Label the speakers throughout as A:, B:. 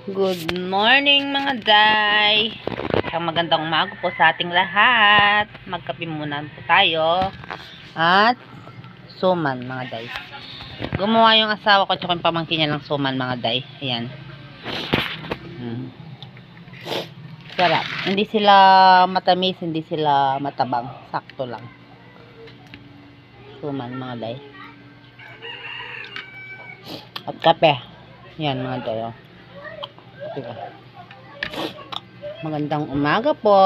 A: Good morning mga day. Isang magandang umaga po sa ating lahat. Magkape muna po tayo. At suman mga day. Gumawa yung asawa ko at yung pamangkin niya ng suman mga day. Ayan. Sarap. Hindi sila matamis, hindi sila matabang. Sakto lang. Suman mga day. At kape. Yan mga day. Oh. Magandang umaga po.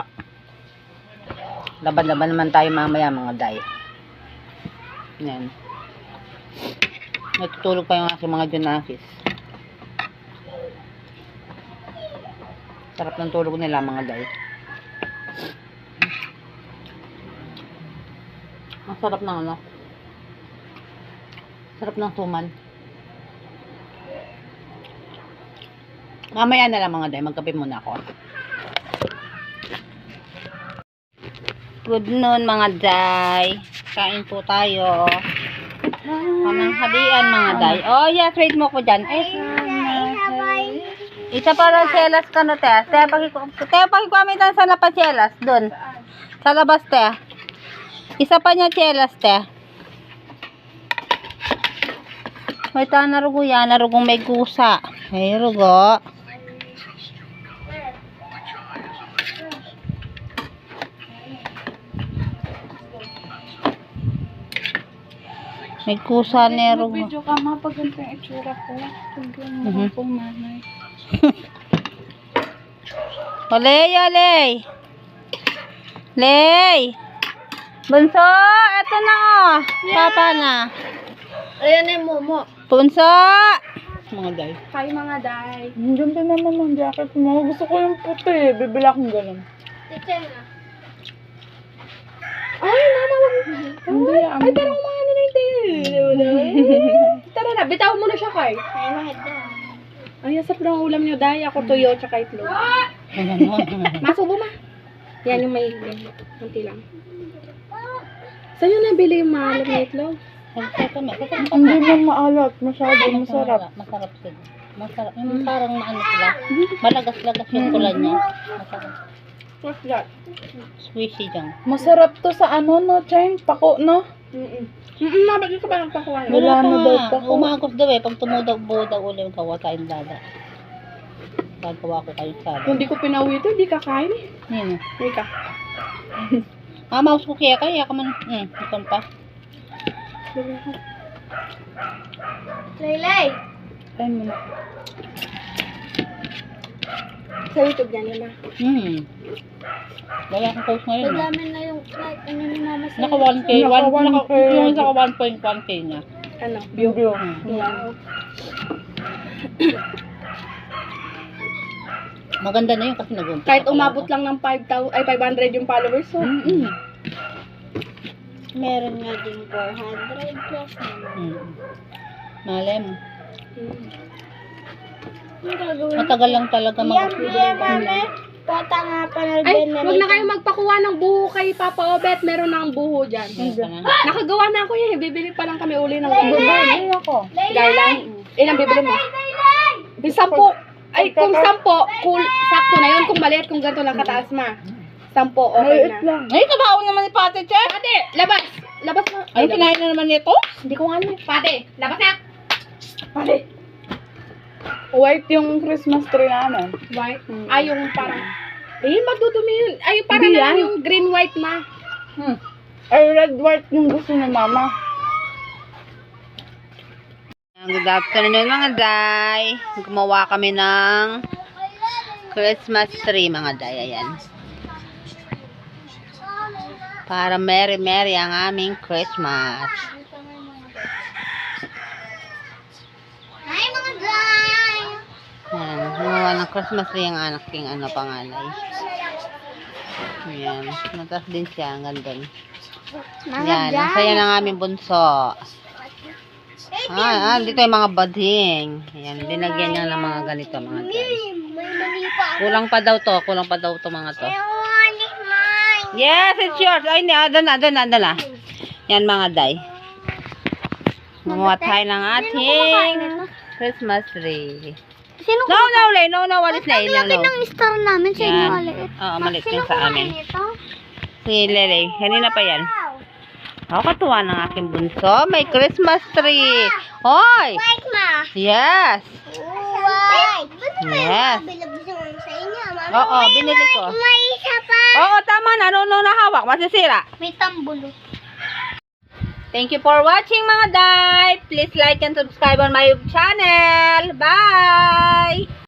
A: Laban-laban naman tayo mamaya mga day. Yan. Natutulog pa yung aking mga junakis. Sarap ng tulog nila mga day. Ang sarap ng ano. Sarap ng suman. Mamaya na lang mga day, magkape muna ako. Good noon mga day. Kain po tayo. Pananghalian mga day. Oh yeah, trade mo ko dyan. Isa para chelas ka na te. Te, pakikuamitan sa na pa chelas. Dun. Sa labas te. Isa pa niya chelas te. May narugo yan. Narugong may kusa. Ay rugo. May kusa nero.
B: Video ka ma pag ganito yung itsura ko. Tingnan mo po nanay.
A: Oley, oley. Ley. Bunso, eto na oh. Papa na.
B: Ayan yung momo.
A: Bunso. Mga day.
B: Hi mga day. Diyan din naman ang jacket mo. Gusto ko yung puti. Bibila akong ganun. Teacher na. Ay, mama. Hindi. Ay, parang mga ano na yung Tara na, bitaw mo na siya kay. Ay, mahid na. Ay, asap lang ulam niyo, day. Ako tuyo, tsaka itlog. Masubo ma. Yan yung may kunti lang. Saan yung nabili yung maalat na itlog?
A: Hindi
B: mo maalat. Masyado masarap.
A: Masarap sila. Masarap. Yung parang maano sila. Malagas-lagas yung kulan niya. Masarap.
B: What's that?
A: Swishy dyan.
B: Masarap to sa ano, no, Chang? Pako, no? Nabagay ka ba ng pakuan?
A: Wala na daw pako. Umagos daw eh. Pag tumudaw-buo daw ulit yung kawa tayong dada. Gagawa ko kayo sa
B: Kung di ko pinauwi ito, di kakain eh.
A: Nino.
B: Hindi ka.
A: Mouse ko kaya ka man. Ikon pa.
B: Laylay! Kain mo na. Sa YouTube yan, yun na.
A: Wala akong post ngayon.
B: Paglamin na yung like, ano ni mama sa
A: Naka 1K. Naka 1.1K niya.
B: ano? View.
A: Wow. Maganda na yun kasi nag-umpisa.
B: Kahit umabot lang ng 500 yung followers, so. Meron nga din 400 plus naman.
A: Malay mo.
B: Matagal
A: Matagal lang talaga mag-upload.
B: Pota nga panalben na. Ay, huwag na kayo magpakuha ng buho kay Papa Obet. Meron na ang buho dyan. Nakagawa na ako yun. Bibili pa lang kami uli ng buho.
A: Bibili ako.
B: Gailan? Ilang bibili mo? Yung 10. Ay, kung 10, cool, sakto na yun. Kung maliit, kung ganito lang kataas ma. 10, okay na.
A: Ay, kabaon naman ni Pate, Che.
B: Pate, labas! Labas na.
A: Ay, kinain na naman nito?
B: Hindi ko nga alam. Pate, labas na! Pate! White yung Christmas tree namin. White? Ay, yung parang... Eh, madudumi yun. Ay, parang yung green-white ma. Ay, red-white yung gusto ni mama.
A: Good afternoon mga day. Gumawa kami ng Christmas tree mga day. Ayan. Para merry ang aming Christmas.
B: Hi mga day!
A: Ayan. Gumawa ng Christmas tree ang anak king panganay. Ayan. Natas din siya. Ang ganda. Ayan. Nasaya ng aming bunso. Dito yung mga bading. Ayan, dinagyan niya ng mga ganito mga guys. Kulang pa daw to mga to. Yes, it's yours. Ay, doon na. Yan mga day. Gumawa tayo ng ating Christmas tree.
C: Sino
A: No, no, Lay. No, no. Walis na. No, no.
C: ng star namin sa inyo
A: Yan.
C: maliit?
A: Oo, maliit yung sa amin.
C: Ito?
A: Si Lele. Kanina pa yan. Ako katuwa ng aking bunso. May Christmas tree. Hoy!
C: White ma.
A: Yes.
C: White.
A: Yes.
C: Bilabis naman sa inyo. Mama,
A: Oo, binili ko.
C: may isa pa.
A: Oo, tama na. No, no, nahawak. Masisira.
C: May tambulo.
A: Thank you for watching mga day. Please like and subscribe on my channel. Bye!